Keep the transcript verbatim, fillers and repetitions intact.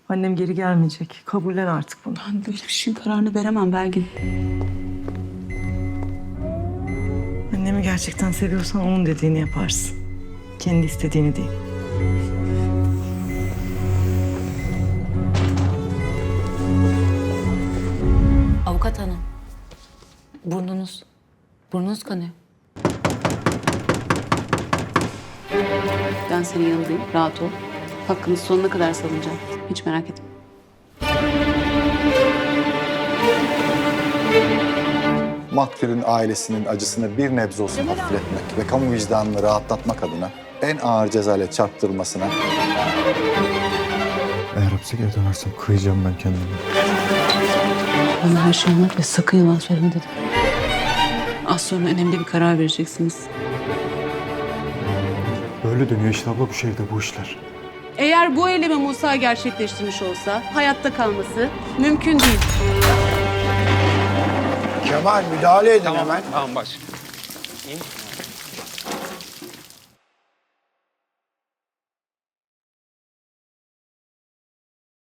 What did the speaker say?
Annem geri gelmeyecek. Kabullen artık bunu. Ben böyle bir şeyin kararını veremem Belgin. Annemi gerçekten seviyorsan onun dediğini yaparsın. Kendi istediğini değil. Avukat hanım. Burnunuz. Burnunuz kanıyor. Ben senin yanındayım. Rahat ol. Hakkını sonuna kadar savunacağım. Hiç merak etme. Maktulün ailesinin acısını bir nebze olsun hafifletmek ve kamu vicdanını rahatlatmak adına en ağır cezayla çarptırılmasına... Eğer hapse geri dönersem kıyacağım ben kendimi. Bana her şeyi anlat ve sakın yalan söyleme dedim. Az sonra önemli bir karar vereceksiniz. Böyle dönüyor işte abla bu şehirde bu işler. Eğer bu eylemi Musa gerçekleştirmiş olsa hayatta kalması mümkün değil. Kemal müdahale edin hemen. Tamam baş. İn.